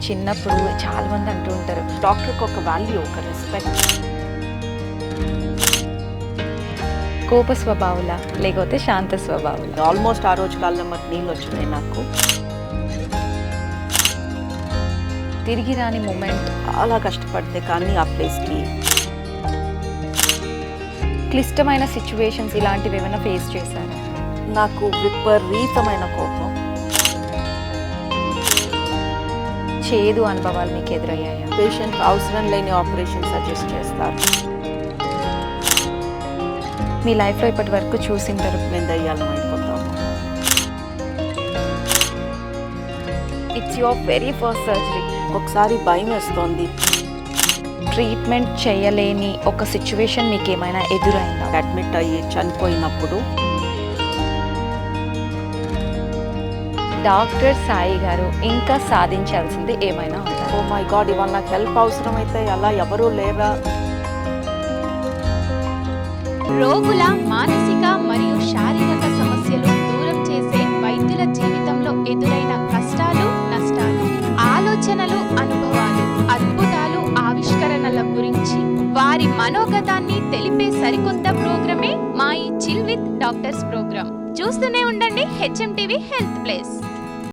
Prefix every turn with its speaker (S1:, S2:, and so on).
S1: చిన్నప్పుడు చాలా మంది అంటూ ఉంటారు,
S2: డాక్టర్కి ఒక వాల్యూ, ఒక రెస్పెక్ట్.
S1: కోప స్వభావుల లేకపోతే శాంత స్వభావుల?
S2: ఆల్మోస్ట్ ఆ రోజు కాళ్ళ మరి నీళ్ళు వచ్చినాయి నాకు.
S1: తిరిగి రాని మూమెంట్.
S2: చాలా కష్టపడితే కానీ ఆ ప్లేస్కి.
S1: క్లిష్టమైన సిచ్యువేషన్స్ ఇలాంటివి ఏమైనా ఫేస్ చేశారా?
S2: నాకు విపరీతమైన కోపం.
S1: చేదు అనుభవాలు మీకు ఎదురయ్యాయా?
S2: పేషెంట్ అవసరం లేని ఆపరేషన్ సజెస్ట్ చేస్తారు.
S1: మీ లైఫ్లో ఇప్పటి వరకు చూసింటారు
S2: మేము దయ్యాలం అయిపోతాము.
S1: It's your very first surgery.
S2: ఒకసారి భయం వేస్తోంది.
S1: ట్రీట్మెంట్ చేయలేని ఒక సిచ్యువేషన్ మీకు ఏమైనా ఎదురైందా?
S2: అడ్మిట్ అయ్యి చనిపోయినప్పుడు
S1: డాక్టర్ సాయి గారు ఇంకా సాధించాల్సింది ఏమైనా ఉందా?
S2: ఓ మై గాడ్, ఇవాళ నాకు హెల్ప్ అవసరమైతే అలా ఎవరూ లేరా?
S3: రోగుల మానసిక మరియు శారీరక సమస్యలు దూరం చేసే వైద్యుల జీవితంలో ఎదురైన కష్టాలు, నష్టాలు, ఆలోచనలు, అనుభవాలు, అద్భుతాలు, ఆవిష్కరణల గురించి వారి మనోగతాన్ని తెలిపే సరికొత్త ప్రోగ్రామే మా ఈ చిల్ విత్ డాక్టర్స్ ప్రోగ్రామ్. చూస్తూనే ఉండండి HM TV హెల్త్ ప్లేస్.